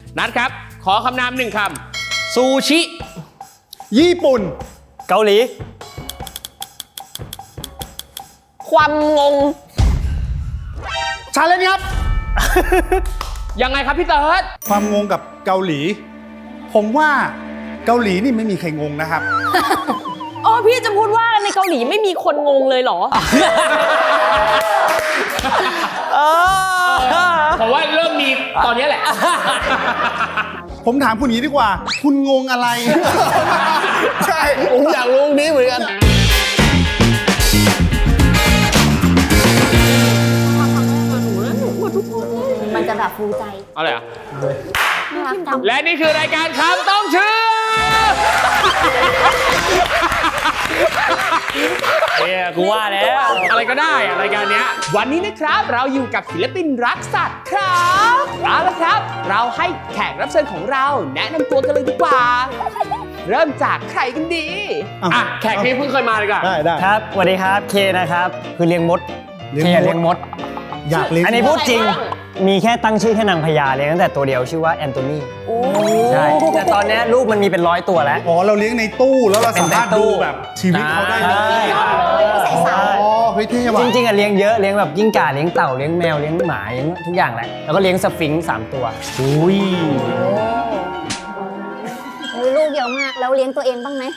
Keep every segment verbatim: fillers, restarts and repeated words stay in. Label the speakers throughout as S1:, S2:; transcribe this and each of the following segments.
S1: นัดครับขอคำนามหนึ่งคำซูชิ
S2: ญี่ปุ่นเกาหลี
S3: ความงง
S2: ชาเลนจ์ครับ
S1: ยังไงครับพี่เติร์ด
S2: ความงงกับเกาหลี ผมว่าเกาหลีนี่ไม่มีใครงงนะครับ
S3: อ๋อพี่จะพูดว่าในเกาหลีไม่มีคนงงเลยเหรอ
S1: ผมว่าเริ่มมีตอนนี้แหละ
S2: ผมถามคุณนี้ดีกว่า คุณงงอะไร
S4: ใช่ผมอยากรู้นี้เหมือนกัน
S5: มันจะแบบฟูใจ
S1: เอาเลยอ่ะ
S5: น่ารักจัง
S1: และนี่คือรายการคำต้องเชื่อเนี่ยกูว่าแล้วอะไรก็ได้อะรายการเนี้ยวันนี้นะครับเราอยู่กับศิลปินรักสัตว์ครับเอาละครับ เราให้แขกรับเชิญของเราแนะนำตัวกันเลยดีกว่า เริ่มจากใครกันดีอ่ะแขกที่เพิ่งเคยมาเลยก่อน
S2: ได้ได้
S6: ครับสวัสดีครับเคนะครับคือเลี้ยงมด
S2: เลี้ยง
S6: เค
S2: มด
S6: เลี้ยงมด
S2: อยากเลี้ยง
S6: อันนี้พูดจริงมีแค่ตั้งชื่อแค่นางพญาเลี้ยงตั้งแต่ตัวเดียวชื่อว่าแอนโทนีใช่แต่ตอนนี้ลูกมันมีเป็นร้อยตัวแล้ว
S2: อ๋อเราเลี้ยงในตู้แล้วเราสามารถ
S6: เป็นในตู้
S2: ดูแบบชีวิตเขาได้เลย
S6: ใช่
S2: อ๋อเฮ้ยเท่ว่ะ
S6: จริงๆอะเลี้ยงเยอะเลี้ยงแบบกิ้งก่าเลี้ยงเต่าเลี้ยงแมวเลี้ยงหมาเลี้ยงทุกอย่างแหละแล้วก็เลี้ยงสฟิงค์สามตัวอุ้ย
S5: โอ้ยลูกเยอะมากแล้วเลี้ยงตัวเองบ้างไหม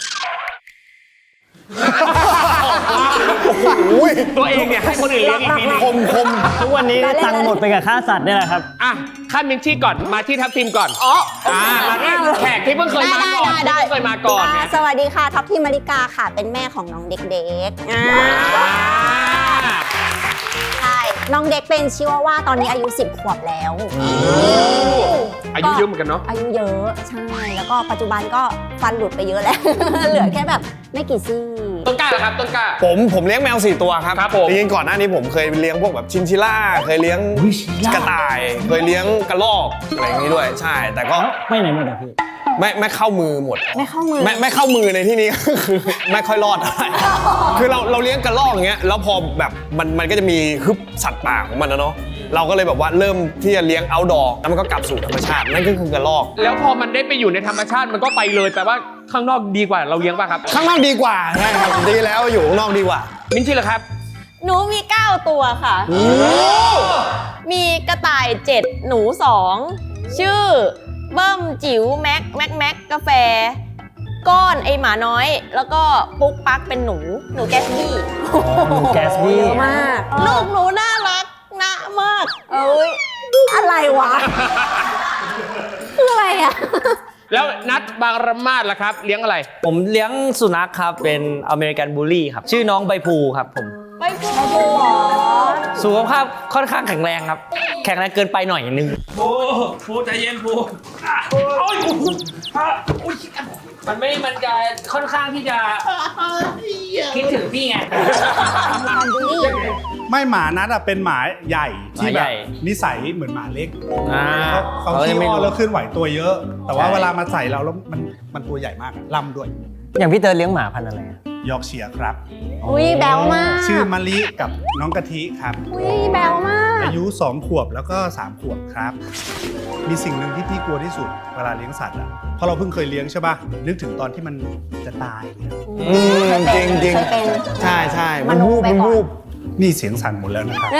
S1: ตัวเองเนี่ยให้คนอื่นเลี้ยงอีกทีนึง
S4: คมคม
S6: ทุกวันนี้ตังค์หมดไปกับค่าสัตว์เนี่ยแหละครับ
S1: อ่ะขั้นมินชี่ก่อนมาที่ทัพทีมก่อนอ๋ออ่ามาที่แขกที่เพิ่งเคยมาก่อนที่เพิ่งเคยมาก่อน
S5: อ่า
S1: เนี่ย
S5: สวัสดีค่ะท็อปทีมมาริกาค่ะ เป็นแม่ของน้องเด็กๆอ่า
S1: อ่า
S5: ใช่น้องเด็กเป็นชิวาว่าตอนนี้อายุสิบขวบแล้ว
S1: อายุเยอะเหมือนกันเนาะ
S5: อายุเยอะใช่แล้วก็ปัจจุบันก็ฟันหลุดไปเยอะแล้ว เหลือแค่แบบไม่กี่ซี่
S1: ต้นกล้าเหรอครับต้นกล้า
S4: ผมผมเลี้ยงแมวสี่ตัวครับ
S1: ครับผม
S4: จริงๆก่อนหน้านี้ผมเคยเลี้ยงพวกแบบชินชิล่าเคยเลี้ยงกระต่าย เคยเลี้ยงกระรอกอะไรอย่างนี้ด้วยใช่ แต่ก็
S6: ไม่ไหนหมดอะพี่
S4: ไม่ไม่เข้ามือหมด
S5: ไม่เข้ามือ
S4: ไม่ไม่เข้ามือในที่นี้ ก็คือไม่ค่อยรอดเท่าไหร่คือเราเราเลี้ยงกระรอกอย่างเงี้ยแล้วพอแบบมันมันก็จะมีฮึบสัตว์ป่าของมันนะเนาะเราก็เลยแบบว่าเริ่มที่จะเลี้ยงเอาท์ดอร์แล้วมันก็กลับสู่ธรรมชาตินั่นก็คือกระรอก
S1: แล้วพอมันได้ไปอยู่ในธรรมชาติมันก็ไปเลยแปลว่าข้างนอกดีกว่าเราเลี้ยงป่ะครับ
S4: ข้างนอกดีกว่าใช่ครับดีแล้วอยู่ข้างนอกดีกว่า
S1: มินชี่เหรอครับ
S3: หนูมีเก้าตัวค่ะมีกระต่ายเจ็ดหนูสองชื่อเบิ้มจิ๋วแม็กแม็กแม็กกาแฟ ก้อนไอหมาน้อย แล้วก็ปุ๊กปักเป็นหนูหนูแกสบี้
S6: แกสบี้
S5: เยอะมาก
S3: ลูกหนูน่ารักนะมาก
S5: เอ้ยอะไรวะ คืออะไรอ่ะ
S1: แล้วนัดบางระมาดล่ะครับ เลี้ยงอะไร
S7: ผมเลี้ยงสุนัขครับ เป็นอเมริกันบูลลี่ครับ ชื่อน้องใบพลูครับผม
S3: ไปพูด
S7: สุขภาพค่อนข้างแข็งแรงครับ แข็งแรงเกินไปหน่อยนึง
S8: ปูปูใจเย็นปูอ่ะโอ้ยอ่ะอุ๊ยมันไม่ มันจะค่อนข้างที่จะคิดถึงพี่ไง
S5: การบูลลี่
S2: ไม่หมานัดอะเป็นหมาใหญ่ที่
S7: หมา
S2: แบ
S7: ให
S2: บ
S7: ญ่
S2: นิสัยเหมือนหมาเล็ก
S7: อ่า
S2: เขา
S7: เขา
S2: ขี้
S7: จะไม่
S2: อ้อน
S7: รู้
S2: แล้วเคลื่อนไหวตัวเยอะ แต่ว่า
S7: ใช่
S2: เวลามาใส่เราแล้วมันมันตัวใหญ่มากอะล่ำด้วย
S6: อย่างพี่เติร์ดเลี้ยงหมาพันธุ์อะไรอะ
S2: ยอร์กเชียร์ครับ
S5: อุ้ยแบวมาก
S2: ชื่อมะลิกับน้องกะทิครับ
S5: อุ้ยแบวมาก
S2: อายุสองขวบแล้วก็สามขวบครับ มีสิ่งหนึ่งที่พี่กลัวที่สุดเวลาเลี้ยงสัตว์อ่ะเพราะเราเพิ่งเคยเลี้ยงใช่ป่ะนึกถึงตอนที่มันจะตายเนี่ย
S4: อืมจริงจริง
S5: เคยเป็น
S4: ใช่ใช่
S5: ม
S4: มัน
S5: โน
S4: วูบ
S5: ไป
S4: มัน
S5: ก่อน
S4: วูบ
S2: นี่เสียงสั่นหมดแล้วนะครับ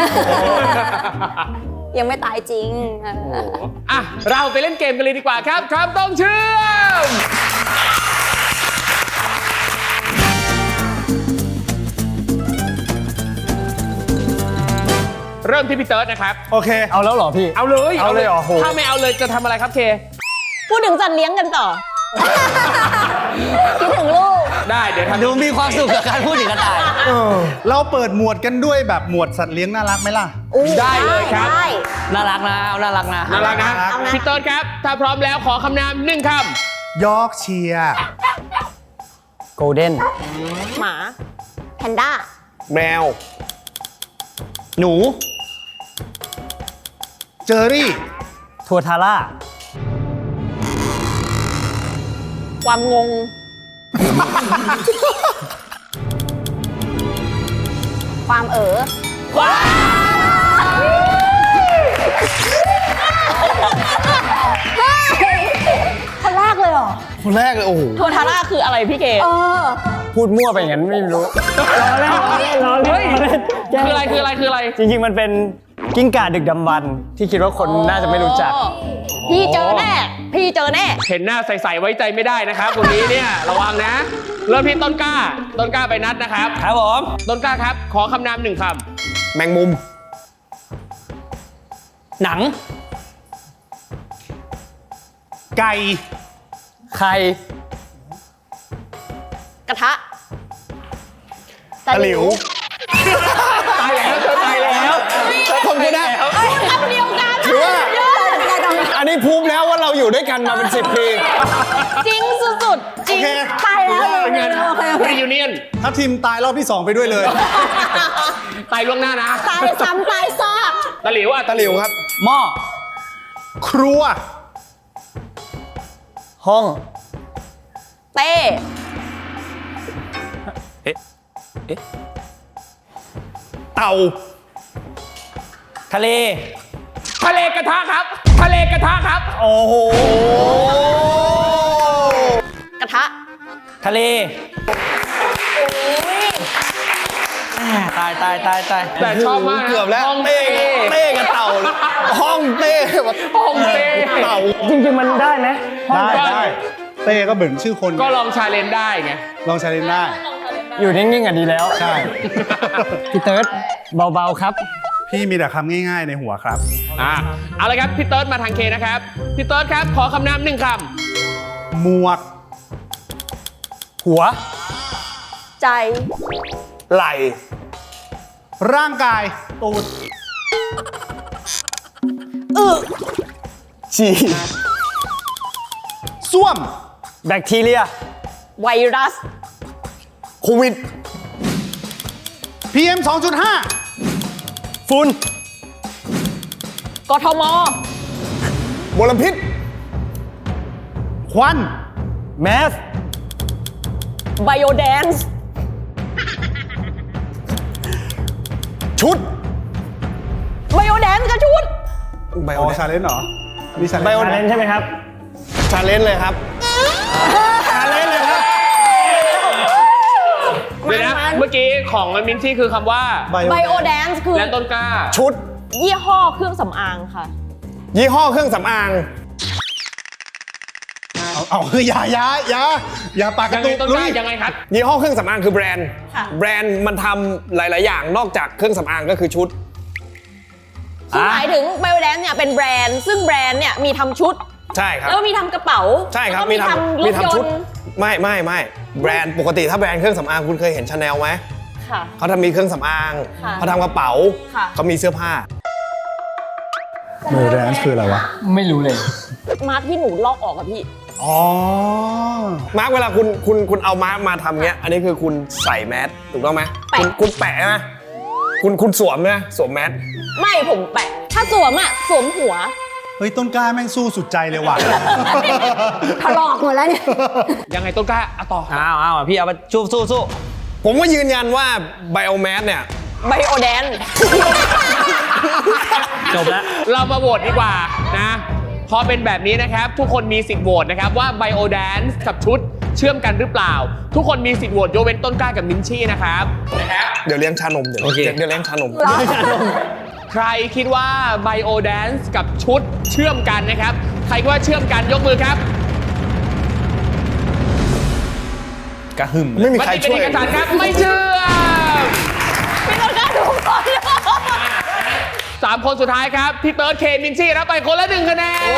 S5: ยังไม่ตายจริงเออ
S1: อ่ะเราไปเล่นเกมกันเลยดีกว่าครับครับต้องเชื่อมเริ่มที่พี่เติร์ดนะครับ
S2: โอเค
S6: เอาแล้วเหรอพี่
S1: เอาเลย
S6: เอาเลยเหรอโห
S1: ถ้าไม่เอาเลยจะทำอะไรครับเค
S3: พูดถึงสัตว์เลี้ยงกันต่อ
S5: คิดถึงลูก
S1: ได้เดี๋ยวทำ
S7: ดูมีความสุขกับการพูดถึงกระต่าย
S2: เราเปิดหมวดกันด้วยแบบหมวดสัตว์เลี้ยงน่ารักไหมล่ะ
S5: อู้
S1: ได้เลยครับ
S5: ได้
S7: น่ารักนะเอาน่ารักนะ
S1: น่ารักนะ
S5: เอานะ
S1: พี่เติร์ดครับ ถ้าพร้อมแล้วขอคำนามหนึ่งค
S2: ยอร์กเชียร์
S6: โกลเด้น
S3: หมา
S5: แพนด้า
S4: แมว
S7: หนู
S2: เจอรี่
S6: ทัวทาร่า
S3: ความงง
S5: ความเอ๋อ
S1: ำ
S4: คนแรกเลยโอ้โห
S3: โททาร่าคืออะไรพี่เกด
S5: เออ
S6: พูดมั่วไปอย่างนั้นไม่รู้ล้อเล่นล้อเล่นล้อเล่นล้อเล่นแกล้ง
S1: คืออะไรคืออะไรคืออะไร
S6: จริงๆมันเป็นกิ้งก่าดึกดำบรรพ์ที่คิดว่าคนน่าจะไม่รู้จัก
S3: พี่เจอแน่ พี่เจอแน่
S1: เห็นหน้าใสๆไว้ใจไม่ได้นะครับคนนี้เนี่ยระวังนะ เริ่มที่ต้นกล้า ต้นกล้าไปนัดนะครับ
S7: ครับผม
S1: ต้นกล้าครับ ขอคำนามหนึ่งค
S4: แมงมุม
S7: หนัง
S2: ไก่
S6: ใคร
S3: กระทะ
S4: ตะหลิว
S1: ำตายแล้วเธอตายแล้ว
S4: คนก็ได้
S3: คำเดียวกัน
S4: ถือว่า อันนี้พูดแล้วว่าเราอยู่ด้วยกันมาเป็นสิบปี
S3: จริงสุดๆ จริง
S2: โอเค
S5: ตายแล้วเลย
S1: เป็นไง
S5: โอเคโอเค
S1: รียูเนียน
S2: ถ้าทีมตายรอบที่สองไปด้วยเลย
S1: ตายล่วงหน้านะ
S5: ตายซ้ำตายซาก
S1: ตะหลิวอ่ะ
S4: ตะหลิวครับ
S7: หม้อ
S2: ครัว
S6: ห้อง
S3: เต้
S4: เต่า
S7: ทะเล
S1: ทะเลกระทะครับ ทะเลกระทะครับ
S6: โอ้โห
S3: กระทะ
S7: ทะเลแหม่ตายตายตายตาย
S1: แต่ชอบมากนะ
S4: เกือบแล้ว
S1: ห้อง
S4: เต้
S1: เต้
S4: เต้กับเต่าเลยห้องเต้แบบ
S1: ห้องเต้
S4: เต่า
S6: จริงๆมันได้ไหม
S2: ได้ได้เต้ก็เหมือนชื่อคน
S1: ก็ลองชาเลนจ์ได้ไง
S2: ลองใช้เล่นได้
S6: อยู่นิ่งๆอ่ะดีแล้ว
S2: ใช่
S6: พี่เติร์ดเบาๆครับ
S2: พี่มีแต่คำง่ายๆในหัวครับ
S1: อ่ะเอาละครับพี่เติร์ดมาทางเคนะครับ พี่เติร์ดครับ ขอคำนามหนึ่งค
S2: หมวก
S6: หัว
S3: ใจ
S4: ไหล
S2: ร่างกาย ตูด
S4: ฉี่
S2: ส้วม
S6: แบคทีเรีย
S3: ไวรัส
S4: โควิด
S2: พี เอ็ม สองจุดห้า
S6: ฝุ่น
S3: กทม
S4: มลพิษ
S2: ควัน
S6: แมส
S3: ไบโอแดนซ์
S4: ชุด
S3: ไบโอแดนซ์กับชุด
S4: ไบ
S2: อ๋
S4: โอ
S2: อชาเลนจ์เหรอ มีชาเลน
S6: ไบ
S2: จ์
S6: โอเดนใช่ไหมครับ
S4: ชาเลนจ์เลยครับ
S6: ชาเลนเลยครับ
S1: ำเดี๋ยวนะ เมื่อกี้ของมินชี่คือคำว่า
S3: ไบโอแดนซ์คือ
S1: และต้นกล้า
S4: ชุด
S3: ยี่ห้อเครื่องสำอางค่ะ
S4: ยี่ห้อเครื่องสำอาง
S2: เอาเอาคืออย่าอย่าอย่าอย่าปากก
S1: ยั
S2: ระ
S1: ง
S2: ตุ
S1: ไง
S2: ก
S1: ต้น
S2: ลุ
S1: กล้าย ยังไงครับ
S4: ยี่ห้อเครื่องสำอางคือแบรนด์
S3: ค่ะ
S4: แบรนด์มันทำหลาย ๆ อย่างนอกจากเครื่องสำอางก็คือชุด
S3: คือหมายถึงไบโอแดนซ์เนี่ยเป็นแบรนด์ ซึ่งแบรนด์เนี่ยมีทำชุด
S4: ใช่ครับ
S3: แล้วก็มีทำกระเป๋า
S4: ใช่ครับ
S3: แล้วก็มีทำร
S4: มี
S3: ถย
S4: ทำชุ
S3: น
S4: ด
S3: ต์
S4: ไม่ไม่ไม่แบรนด์ปกติถ้าแบรนด์เครื่องสำอางคุณเคยเห็นชาแนลไหม
S3: ค่ะ
S4: เขาทำมีเครื่องสำอาง
S3: ค่ะ
S4: เขาทำกระเป๋า
S3: ค่ะ
S4: เขามีเสื้อผ้า
S2: เมอร์แดนซ์คืออะไรวะ
S6: ไม่รู้เลย
S3: มาร์คที่หนูลอกออกอะพี่
S2: อ๋อ
S4: มาร์กเวลาคุณคุณคุณเอามาร์กมาทำเนี้ย อันนี้คือคุณใส่แมสถูกต้องไหม
S3: แปะ
S4: คุณคุณแปะไหมคุณคุณสวมไหมสวมแมส
S3: ไม่ผมแปะ ถ้าสวมอะสวมหัว
S2: เฮ้ย ต้นกล้าแม่งสู้สุดใจเลยว่ะ
S5: ถลอกหมดแล้วเนี่ย
S1: ยังไงต้นกล้าเอาต่อ
S7: อ้าวอ้าวพี่เอาไปสู้สู้สู้
S4: ผมก็ยืนยันว่าไบโอแมสเนี่ย
S3: ไบโอแดนซ์
S7: จบแล้ว
S1: เรามาโหวตดีกว่านะ พอเป็นแบบนี้นะครับ ทุกคนมีสิทธิ์โหวตนะครับว่าไบโอแดนซ์กับชุดเชื่อมกันหรือเปล่า ทุกคนมีสิทธิ์โหวตยกเว้นต้นกล้ากับมินชี่นะครับนะครับ
S4: เดี๋ยวเลี้ยงชานมเดี๋ยว
S7: โอเค
S4: เดี๋ยวเลี้ยงชานม
S1: ใครคิดว่าไบโอแดนซ์กับชุดเชื่อมกันนะครับ ใครคิดว่าเชื่อมกันยกมือครับ
S2: กระหึ่ม
S4: ไม่มี
S1: มัน
S4: ใคร
S1: เป็น
S4: ช่วย
S1: เอกสารครับไม่เชื่อม
S3: ไม่ต้องกล้าดูก่อน
S1: สามคนสุดท้ายครับพี่เติร์ดเคนมินชี่รับไปคนละหนึ่งคะแนน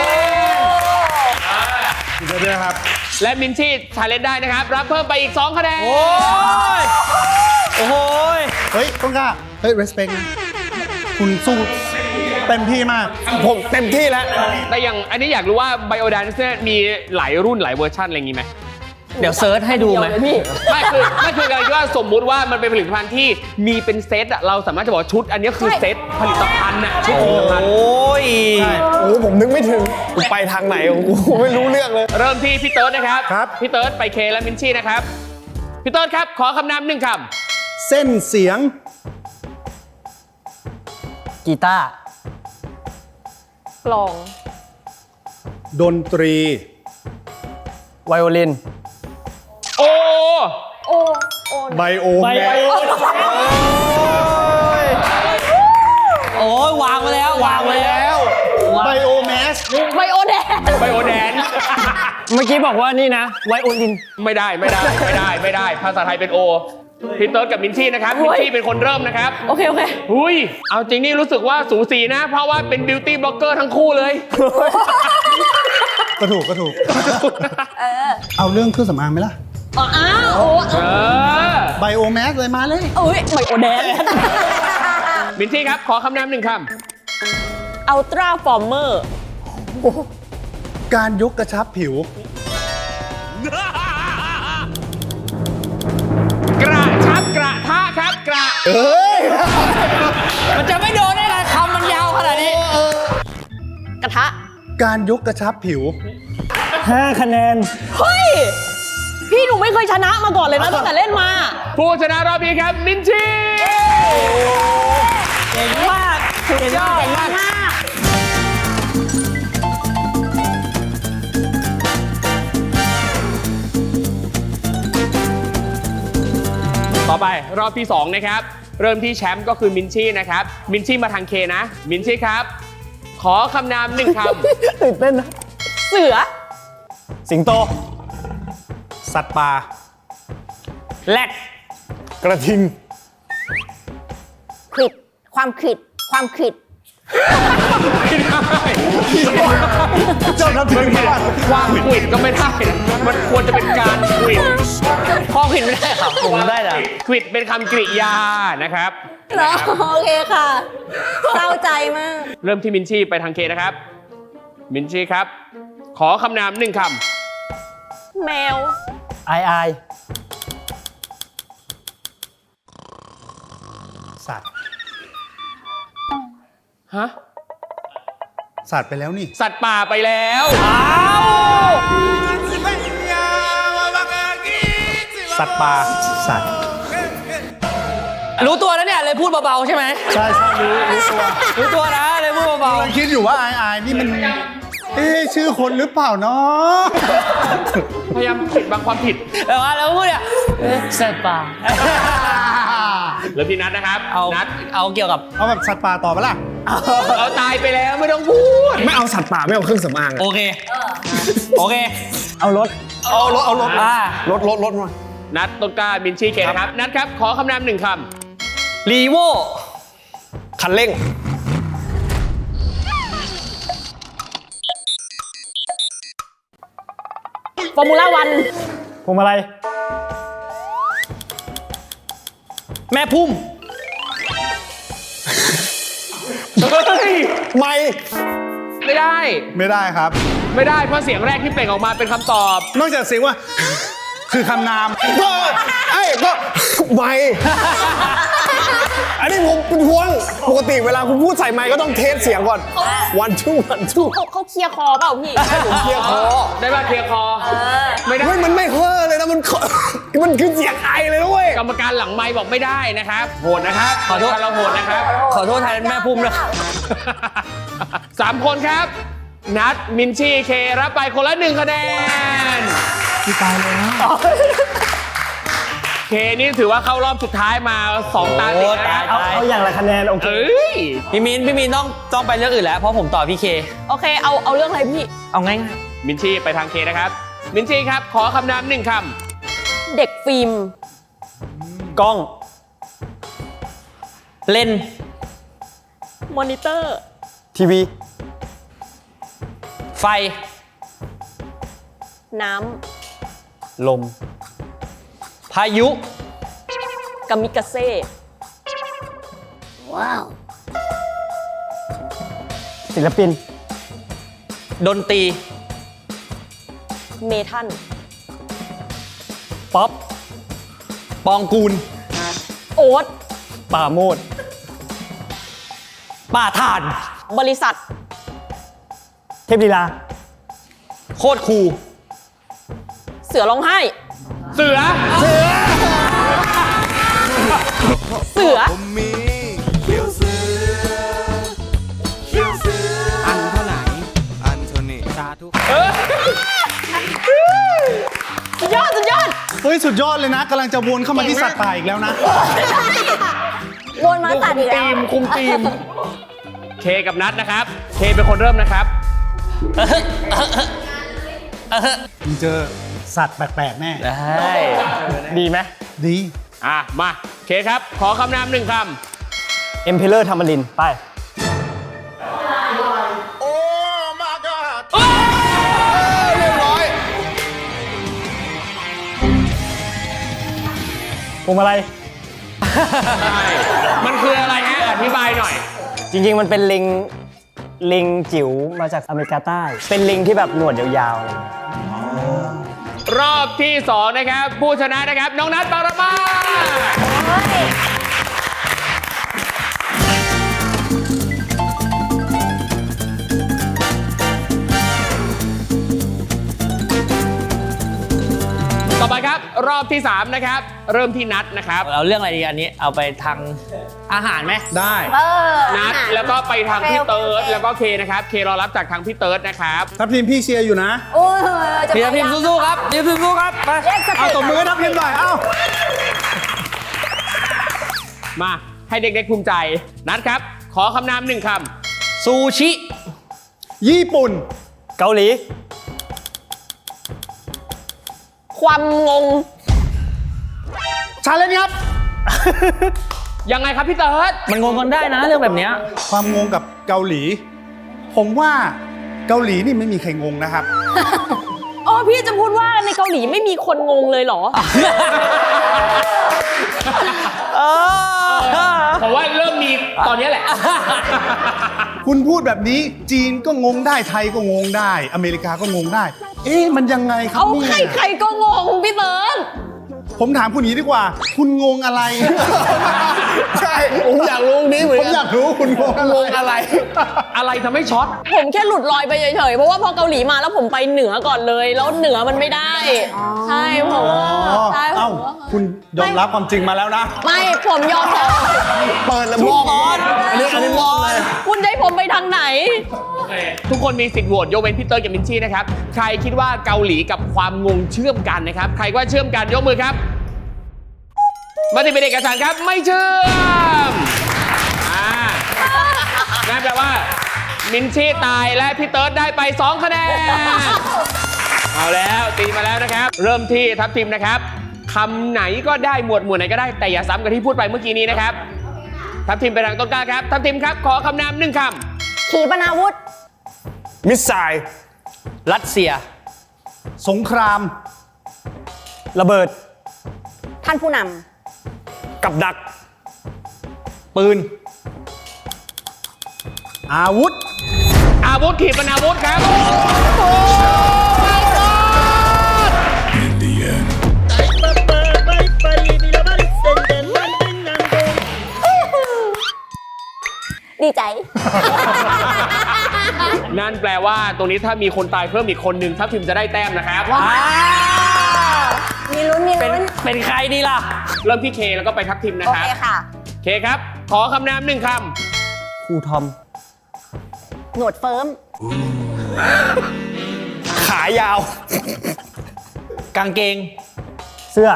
S2: เดี๋ยวด้วยครับ
S1: และมินชี่ชาเลนจ์ได้นะครับ รับเพิ่มไปอีกสองคะแนน
S7: โอ้ย โอ้โหย
S2: เฮ้ย ต้นกล้า เฮ้ย respect นะ คุณสู้เต็มที่มาก
S4: ผมเต็มที่แล้ว
S1: แต่อย่างอันนี้อยากรู้ว่าไบโอแดนซ์เนี่ยมีหลายรุ่นหลายเวอร์ชันอะไรอย่างงี้ไหม
S7: เดี๋ยวเซิร์ชให้ดูไหม
S3: เยวเลยพี่
S1: ไม่คือไม่คือการที่ว่าสมมุติว่ามันเป็นผลิตภัณฑ์ที่มีเป็นเซตอะเราสามารถจะบอกว่าชุด อันนี้คือเซตผลิตภัณฑ์อะชุดผลิตภัณฑ์
S7: โอ้ย
S4: โอ้โหผมนึกไม่ถึงกูไปทางไหนของกูไม่รู้เรื่องเลย
S1: เริ่มที่พี่เติร์ดนะครับ
S2: ครับ
S1: พี่เติร์ดไปเคและมินชี่นะครับพี่เติร์ดครับขอคำนามหนึ่งค
S2: เส้นเสียง
S6: กีตาร์
S3: กลอง
S2: ดนตรี
S4: ว
S6: ไวโอลิน
S1: โอ
S3: โอ้โอ้
S2: ไบโอ
S6: ไบ
S2: แม
S6: โอ
S2: ส
S7: โอ้ยวางมาแล้ววางมาแล้ว
S2: ไบโอแมส
S3: ไบโอแดน
S1: ไบโอแดน
S6: เมื่อกี้บอกว่านี่นะไวโอลิน
S1: ไม่ได้ไม่ได้ไม่ได้ไม่ได้ ภาษาไทยเป็นโอพี่เติร์ดกับมินชี่นะครับมินชี่เป็นคนเริ่มนะครับ
S3: โอเคโอเค
S1: หุยเอาจริงนี่รู้สึกว่าสูสีนะ เพราะว่าเป็นบิวตี้บล็อกเกอร์ทั้งคู่เลย
S2: ก็ถูกก็ถูก เอาเรื่องเครื่องสำอางไหมล่ะ
S3: อ๋ออ้าวโอ้
S1: เออ
S2: ไบโอแมสเลยมาเลย
S3: เอ้ยไบโอแดน
S1: มินชี่ครับ ขอคำนามหนึ่งค
S3: อัลตราฟอร์เมอร์
S2: การยกกระชับผิว
S1: ำกระชับกระทะครับกระ
S2: เอ้ย
S7: มันจะไม่โดนได้ไงคำมันยาวขนาดนี้
S3: กระทะ
S2: การยกกระชับผิว
S6: ห้า คะแนน
S3: เฮ้ย พี่หนูไม่เคยชนะมาก่อนเลยนะตั้งแต่เล่นมา
S1: ผู้ชนะรอบนี้ครับมินชี่
S7: เก่งมากสุดยอดมาก
S1: ต่อไปรอบที่สองนะครับ เริ่มที่แชมป์ก็คือมินชี่นะครับมินชี่มาทางเคนะมินชี่ครับ ขอคำนามหนึ่งค
S6: ตื่นเต้นนะ
S3: เสือ
S6: สิงโต
S2: สัตว์ป่า
S7: แรด
S4: กระทิง
S5: ขิด ความขิด ความขิด
S2: เจ้าน้ำถึงบ้าน
S1: ำความขวิดก็ไม่ได้นะมันควรจะเป็นการขวิด
S7: ข้อผิดไม่ได้ครับผมได้แต่
S1: ขวิดเป็นคำกริยานะครับ
S5: เหรอ โอเคค่ะ เศร้าใจมาก
S1: เริ่มที่มินชี่ไปทางเคนะครับ มินชี่ครับ ขอคำนามหนึ่งค
S3: แมว
S6: ไอไอ
S2: สัตว์
S1: ำฮะ
S2: สัตว์ไปแล้วนี่
S1: สัตว์ป่าไปแล้ว
S2: สัตว์ป่า สัตว์
S7: รู้ตัวแล้วเนี่ยเลยพูดเบาๆใช่ไหม
S2: ใช่ใช่รู้รู้ตัว
S7: รู้ตัวนะเลยพูดเบาก
S2: ำลังคิดอยู่ว่าไอไอนี่มัน เอ๊ะชื่อคนหรือเปล่าเนาะ
S1: พยายามปิดบังความผิด
S7: ๆแต่ว่าแล้วพูดเนี่ยเอ๊ะสัตว์ป่า
S1: เริ่มที่นัดนะครับ
S7: เอา
S1: นัด
S7: เอาเกี่ยวกับ
S2: เอาแบบสัตว์ป่าต่อปะล่ะ
S1: เอาตายไปแล้วไม่ต้องพูด
S4: ไม่เอาสัตว์ป่าไม่เอาเครื่องสำอาง
S7: โอ
S4: อะ
S7: เคโอเค
S6: เอารถ
S4: เอารถเอารถ
S7: อ่าร
S4: ถรถรถมา
S1: นัดต้นกล้ามินชี่เคนะครับ นัดครับ ขอคำนามหนึ่งค
S7: รีโว
S4: คันเร่ง
S3: ฟอร์มูล่าวัน
S6: พวงมาลัย
S7: แม่พุ่ม
S1: ำเฮ้ย
S4: ไม่
S1: ไม่ได้
S2: ไม่ได้ครับ
S1: ไม่ได้เพราะเสียงแรกที่เปล่งออกมาเป็นคำตอบ
S2: นอกจากเสียงว่า คือคำนาม
S4: ก็ไอ้ก็ไม่ อันนี้ผมเป็นห่วง ปกติเวลาคุณพูดใส่ไมค์ก็ต้องเทสเสียงก่อน วันทูวันทู
S3: เขาเขาเคลียร์คอเปล่าพี่
S4: ผมเคลียร์คอ
S1: ได้ป่ะเคลียร์คอ ไม่ได้
S4: เฮ้ยมันไม่เฮ้อเลยนะมัน มันคือเสียงไอเลยนะเว้ย
S1: กรรมการหลังไมค์บอกไม่ได้นะครับ โหดนะครับ
S7: ขอโทษ
S1: เราโหดนะครับ
S7: ขอโทษแทนแม่พุ่มนะ
S1: สามคนครับ นัดมินชี่เครับไปคนละหนึ่งคะแนน
S2: ที่ตายแล้ว
S1: เคนี่ถือว่าเข้ารอบสุดท้ายมาสองตาติดนะ
S6: เอาเอาอย่างละคะแนน โอเค
S1: เอ้ย
S7: พี่มินพี่มินต้องต้องไปเรื่องอื่นแล้วเพราะผมต่อพี่เค
S3: โอเค เอาเอาเรื่องอะไรพี่
S7: เอาง่าย
S1: มินชี่ไปทางเคนะครับ มินชี่ครับ ขอคำนามหนึ่งค
S3: เด็กฟิล์ม
S6: กล้อง
S7: ๆเล่น
S3: มอนิเตอร์
S6: ทีวี
S7: ไฟ
S3: น้
S6: ลม
S7: พายุ
S3: ำกามิกาเซ่
S5: ว้าว
S6: ศิลปิน
S7: ดนตรี
S3: เมทัล
S6: ป๊อป
S7: ปองกูล
S3: โอ๊ต
S6: ป่าโมด
S7: ป่าถ่าน
S3: บริษัท
S6: เทพลีลา
S7: โคตรคูล
S3: เสือร้องไห้
S1: ำเสือ
S3: เสือ
S1: อันเท่าไหร่
S9: อันโทนี
S1: เอ
S3: สุดยอดสุดยอด
S2: เฮ้ย สุดยอดเลยนะกำลังจะวนเข้ามาที่สัตว์ป่าอีกแล้วนะ
S5: วนมาตัดอีกแล้ว
S1: ทีมคุมทีม เคกับนัทนะครับ เคเป็นคนเริ่มนะครับ
S2: มึงเจอสัตว์แปลกๆแน่
S7: ได้
S6: ดีไหม
S2: ดี
S1: อ่ะ มา เคครับ ขอคำนามหนึ่งค
S6: เอ็มเพลเลอร์ธรรมรินทร์ไป
S4: เรียบร้อย
S6: พวงมาลัย
S1: ำ มันคืออะไรฮะ อธิบายหน่อย
S6: จริง ๆ มันเป็นลิง ลิงจิ๋วมาจากอเมริกาใต้ เป็นลิงที่แบบหนวดยาวๆอะไรอย่างเงี้ย
S1: รอบที่สองนะครับ ผู้ชนะนะครับ น้องนัทปารมา ต่อไปครับ รอบที่สามนะครับ เริ่มที่นัทนะครับ
S7: เอาเรื่องอะไรดีอันนี้เอาไปทางอาหารไหม
S2: ได้
S5: เออ
S1: นัทแล้วก็ไปทางพี่เติร์ดแล้วก็เคนะครับ เครอรับจากทางพี่เติร์ดนะครับ
S2: ทัพทีมพี่เชียร์อยู่นะ
S5: โอ้ยจะ
S7: พี่พิมพ์สู้ๆครับพี่พิมพ์สู้ๆครับไป
S5: เรียกส
S2: เอา
S5: ติ
S2: ตบมือให้ทัพทีมหน่อย เอ้า
S1: มาให้เด็กๆภูมิใจ นัทครับ ขอคำนามหนึ่งค
S7: ซูชิ
S2: ญี่ปุ่น
S6: เกาหลี
S3: ความงง
S2: ชาเลนจ์ครับ
S1: ำยังไงครับพี่เติร์ด
S7: มันงงกันได้นะเรื่องแบบเนี้ย
S2: ความงงกับเกาหลี ผมว่าเกาหลีนี่ไม่มีใครงงนะครับ
S3: อ๋อพี่จะพูดว่าในเกาหลีไม่มีคนงงเลยเหรอ
S1: ผมว่าเริ่มมีตอนนี้แหละ
S2: คุณพูดแบบนี้จีนก็งงได้ไทยก็งงได้ อเมริกาก็งงได้ เอ๊ะมันยังไงครับ
S3: เอา
S2: เนี่
S3: ใคร
S2: ย
S3: ใครก็งงพี่เติร์ด
S2: ผมถามคุณอย่างนี้ดีกว่า คุณงงอะไร
S4: ใช่ ผมอยากรู้นี้เหมือน
S2: ผม
S4: กัน
S2: อยากรู้คุณงงอะไร
S4: งงอะไร
S1: อะไรทำให้ช็อต
S3: ผมแค่หลุดลอยไปเฉยๆ เพราะว่าพอเกาหลีมาแล้วผมไปเหนือก่อนเลย แล้วเหนือมันไม่ได้ ใช่ผม
S2: อ๋อ
S3: ใช่ผ
S2: เอ้าม คุณยอมรับความจริงมาแล้วนะ
S3: ไม่ผมยอมรับ
S4: เปิดแล้วมองอันนี้อันนี้มองเลย
S3: คุณจะให้ผมไปทางไหน
S1: ทุกคนมีสิทธิ์โหวตยกเว้นพี่เติร์ดกับมินชี่นะครับ ใครคิดว่าเกาหลีกับความงงเชื่อมกันนะครับ ใครว่าเชื่อมกันยกมือครับมติเป็นเอกสารครับไม่เชื่อมอ่านั่นแปลว่า มินชี่ตายและพี่เติร์ดได้ไปสองคะแนน เอาแล้วตีมาแล้วนะครับ เริ่มที่ทัพทิมนะครับคำไหนก็ได้หมวดหมู่ไหนก็ได้แต่อย่าซ้ำกับที่พูดไปเมื่อกี้นี้นะครับ ทัพทิมไปทางต้นกล้าครับทัพทิมครับขอคำนามหนึ่งค
S5: ขีปนาวุธ
S4: มิสไซล์
S7: รัสเซีย
S2: สงคราม
S6: ระเบิด
S5: ท่านผู้น
S4: กับดัก
S7: ปืน
S2: อาวุธ
S1: ำอาวุธขีปนาวุธครับ
S5: ำดีใจ
S1: นั่นแปลว่าตรงนี้ถ้ามีคนตายเพิ่มอีกคนหนึ่งทัพทิมจะได้แต้มนะครับ
S5: มีลุ้น มี
S7: เป็น
S5: ลุ้น
S7: เป็นใครดีล่ะ
S1: เริ่มที่เคแล้วก็ไปทัพทิมนะ
S5: โอ
S1: ครับ
S5: เคค่ะ
S1: เคครับ ขอคำนามหนึ่งค
S6: ครูทอม
S5: หนวดเฟิร์ม
S4: ขายาว
S7: กางเกง
S6: เสื้อ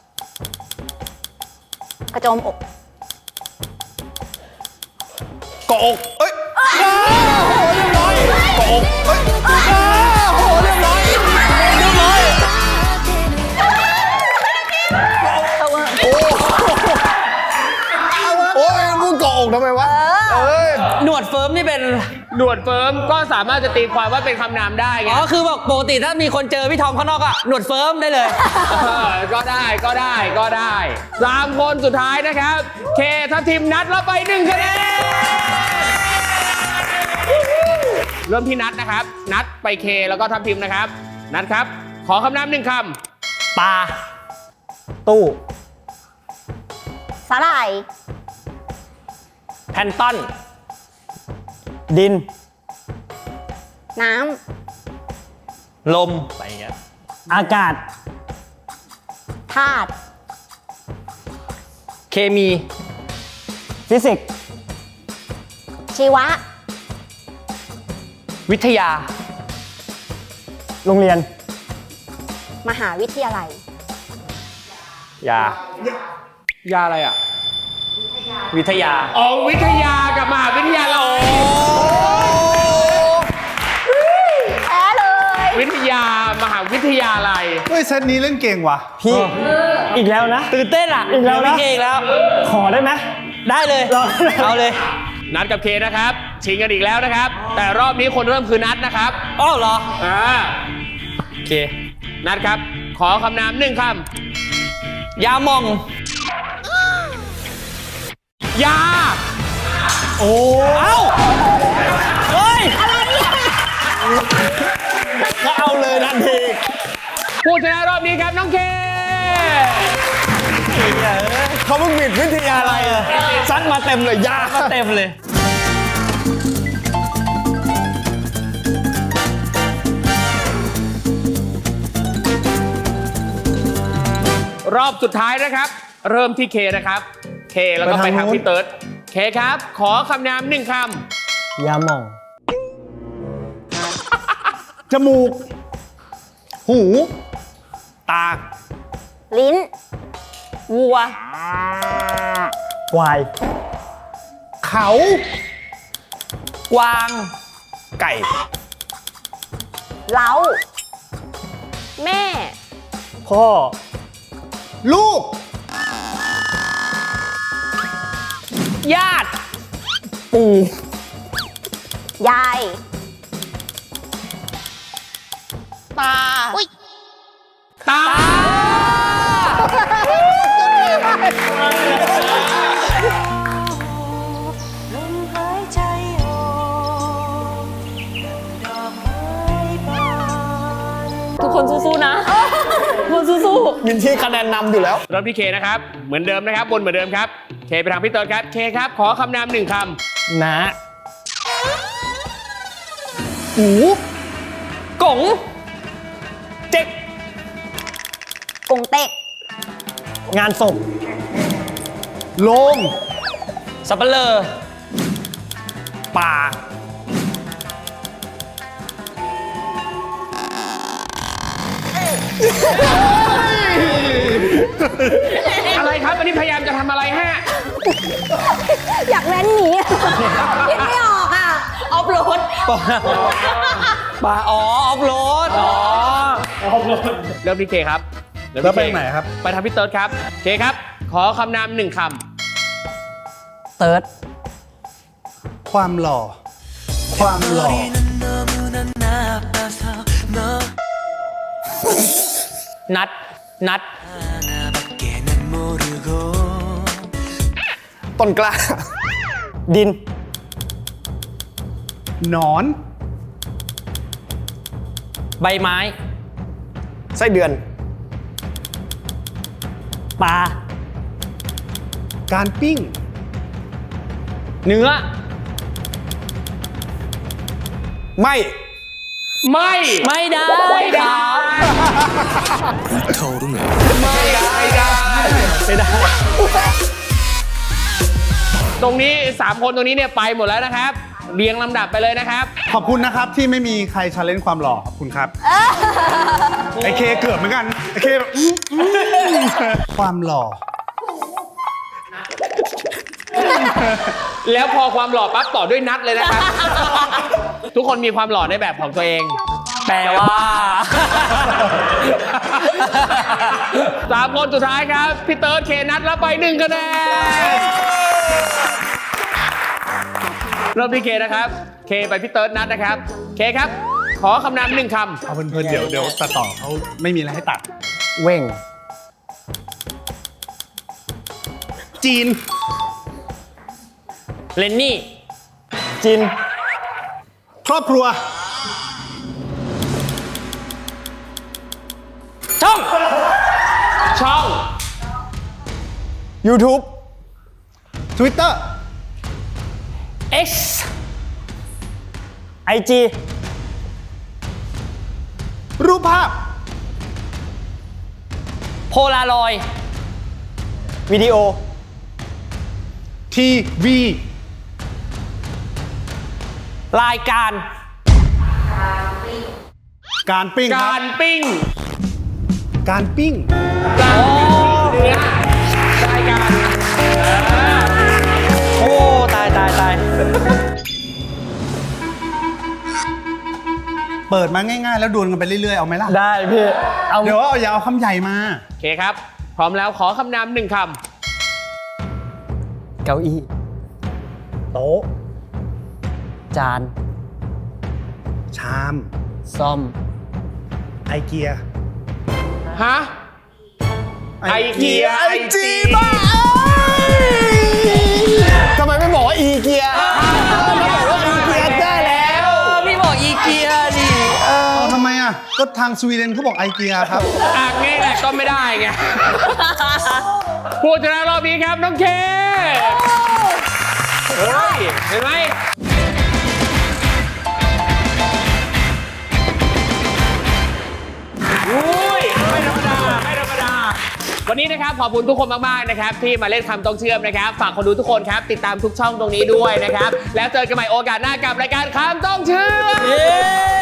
S5: กระโจมอก
S4: เกาะอกเอ้ยเรียบร้อยเกาะอกเอ้ยโอ้โหเรียบร้อยเรียบร้อยโอ้ยมึงเกาะอกทำไมวะเอ้ย
S7: หนวดเฟิร์มนี่เป็น
S1: ำหนวดเฟิร์มก็สามารถจะตีความว่าเป็นคำนามได้ไง
S7: อ๋อคือแบบปกติถ้ามีคนเจอพี่ทอมข้างนอกอะหนวดเฟิร์มได้เลย
S1: เออก็ได้ก็ได้ก็ได้สามคนสุดท้ายนะครับ เคทัพทิมนัดแล้วไปหนึ่งคะแนนเริ่มที่นัดนะครับ นัดไปเคแล้วก็ทัพทิมนะครับ นัดครับ ขอคำนามหนึ่งค
S7: ปลา
S6: ตู้
S5: สาหร่าย
S7: แพนต้อน
S6: ดิน
S5: น้
S7: ลมอะไรอย่างเงี้ย
S6: อากาศ
S5: ำธาตุ
S7: เคมี
S6: ฟิสิกส์
S5: ชีวะ
S7: วิทยา
S6: โรงเรียน
S5: มหาวิทยาลัย
S7: ยา
S1: ยาอะไรอ่ะ
S7: วิทยา
S1: อ๋อวิทยากับมหาวิทยาลัย
S5: แพ้เลย
S1: วิทยามหาวิทยาลัย
S2: เฮ้ยเซตนี้เล่นเก่งว่ะ
S6: พี่อีกแล้วนะ
S7: ตื่นเต้นอ่ะ
S6: อีกแล้วนะ
S7: พี่เคอีกแล้ว
S6: ขอได้ไหม
S7: ได้เลย
S6: รอ
S7: เอาเลย
S1: นัดกับเคนะครับ ชิงกันอีกแล้วนะครับ แต่รอบนี้คนเริ่มคือนัดนะครับ
S7: อ้าวเหรอ
S1: อ่า
S7: โอเค
S1: นัดครับ ขอคำนามหนึ่งค
S7: ยามอง
S1: ำยา
S6: โอ้
S7: เอ้า เฮ้ย
S4: ก็เอาเลยทันที
S1: ผู้ชนะรอบนี้ครับน้องเค
S4: เขาเพิ่งบิดวิทยาอะไรอะซัดมาเต็มเลยยา
S7: ก็เต็มเลย
S1: รอบสุดท้ายนะครับ เริ่มที่เคนะครับ เคแล้วก็ไปทางพี่เติร์ดเคครับ ขอคำนามหนึ่งค
S6: ยาหม่อง
S2: จมูก หู
S4: ตา
S5: ลิ้น
S3: วัว
S6: ควาย
S2: เขา
S7: กวาง
S4: ไก่
S5: เล้า
S3: แม่
S6: พ่อ
S2: ลูก
S7: ญาติ
S6: ปู่
S5: ยาย
S3: ตา
S1: ำตา
S3: ทุกคนสู้ๆนะ ทุกคนสู้
S4: มินที่คะแนนนำอยู่แล้ว
S1: เริ่มที่เคนะครับ เหมือนเดิมนะครับบนเหมือนเดิมครับ เคไปทางพี่เติร์ดครับ เคครับ ขอคำนามหนึ่งค
S6: นะ
S2: หู
S7: กง
S4: เจ๊ก
S5: กงเต็ก
S6: งานศพ
S2: โลง
S7: สับเปลอ
S4: ป่า
S1: ำอะไรครับ อันนี้พยายามจะทำอะไรฮะ
S5: อยากแว้นหนีอะคิดไม่ออกอ่ะ
S3: ๆออฟโรด
S7: ป่าอ๋อ ออฟโรด อ๋อ
S1: เริ่มที่เคครับเริ่ม
S2: แล้ว
S1: ที่
S2: ไป
S1: เค
S2: ไหนครับ
S1: ไปทางพี่เติร์ดครับ เคครับ ขอคำนามหนึ่งค
S6: เติร์ด
S2: ความหล่อ ความหล่อ
S7: นัด นัด
S4: ต้นกล้า
S6: ดิน
S2: หนอน
S7: ใบไม้
S4: ไส้เดือน
S6: ปลา
S2: การปิ้ง
S7: เนื้อ
S4: ไม่
S1: ำไม่
S7: ไม่ได้
S1: ไม่ได้ไม่ได้ไม่ได้
S7: ไม่ได้
S1: ตรงนี้สามคนตรงนี้เนี่ยไปหมดแล้วนะครับ เรียงลำดับไปเลยนะครับ
S2: ขอบคุณนะครับที่ไม่มีใครชาเลนจ์ความหล่อขอบคุณครับ ไอเคเกือบเหมือนกัน ไอเคแบบอื้ออื้อความหล่อ
S1: แล้วพอความหล่อปั๊บต่อด้วยนัดเลยนะครับ ทุกคนมีความหล่อในแบบของตัวเอง
S7: แปลว่า
S1: สามคนสุดท้ายครับ พี่เติร์ดเคนัทรับไปหนึ่งคะแนนเริ่มที่เคนะครับ เคไปพี่เติร์ดนัทนะครับ เคครับ ขอคำนามหนึ่งค
S2: เอาเพลินๆเดี๋ยวเดี๋ยวตัดต่อเขาไม่มีอะไรให้ตัด
S6: เว่ง
S2: จีน
S7: เลนนี่
S6: จิน
S2: ครอบครัว
S7: ช่อง
S1: ำช่อง
S4: YouTube
S2: Twitter
S7: X
S6: ไอจี
S2: รูปภาพ
S7: โพลารอยด์
S6: วิดีโอ
S2: ทีวี
S7: รายการ
S2: การปิ้งค
S1: กา
S2: รับ
S1: รปิ้ง
S2: การปิ้ง
S1: การปิ้งเนื้อได้กัน
S7: โอ้ตายตายตาย
S2: เปิดมาง่ายๆ แล้วดวลกันไปเรื่อยๆ เอาไหมล่ะ
S6: ได้พี่เอา
S2: เดี๋ยวเอาอย่าเอาคำใหญ่มา
S1: โอเคครับ พร้อมแล้วขอคำนำหนึ่งค
S6: เก้าอี้
S2: โต๊ะ
S6: จาน
S2: ชาม
S6: ซ่อม
S2: ไอเกีย
S1: ำฮะ ไอเกีย
S2: ไอจีบ้า
S4: ทำไมไม่บอกว่าอีเกียอีเกียได้แล้ว
S7: พี่บอกอีเกียดิ
S2: เอาทำไมอ่ะ ก็ทางสวีเดนเขาบอกไอเกียครับ
S1: อ่ะงี้แหละก็ไม่ได้ไง ผู้ชนะรอบนี้ครับน้องเคเฮ้ย เห็นไหมอุ้ยไม่ธรรมดา ไม่ธรรมดา วันนี้นะครับขอบคุณทุกคนมากๆนะครับที่มาเล่นคำต้องเชื่อมนะครับ ฝากคนดูทุกคนครับ ติดตามทุกช่องตรงนี้ด้วยนะครับ แล้วเจอกันใหม่โอกาสหน้ากับรายการคำต้องเชื่อม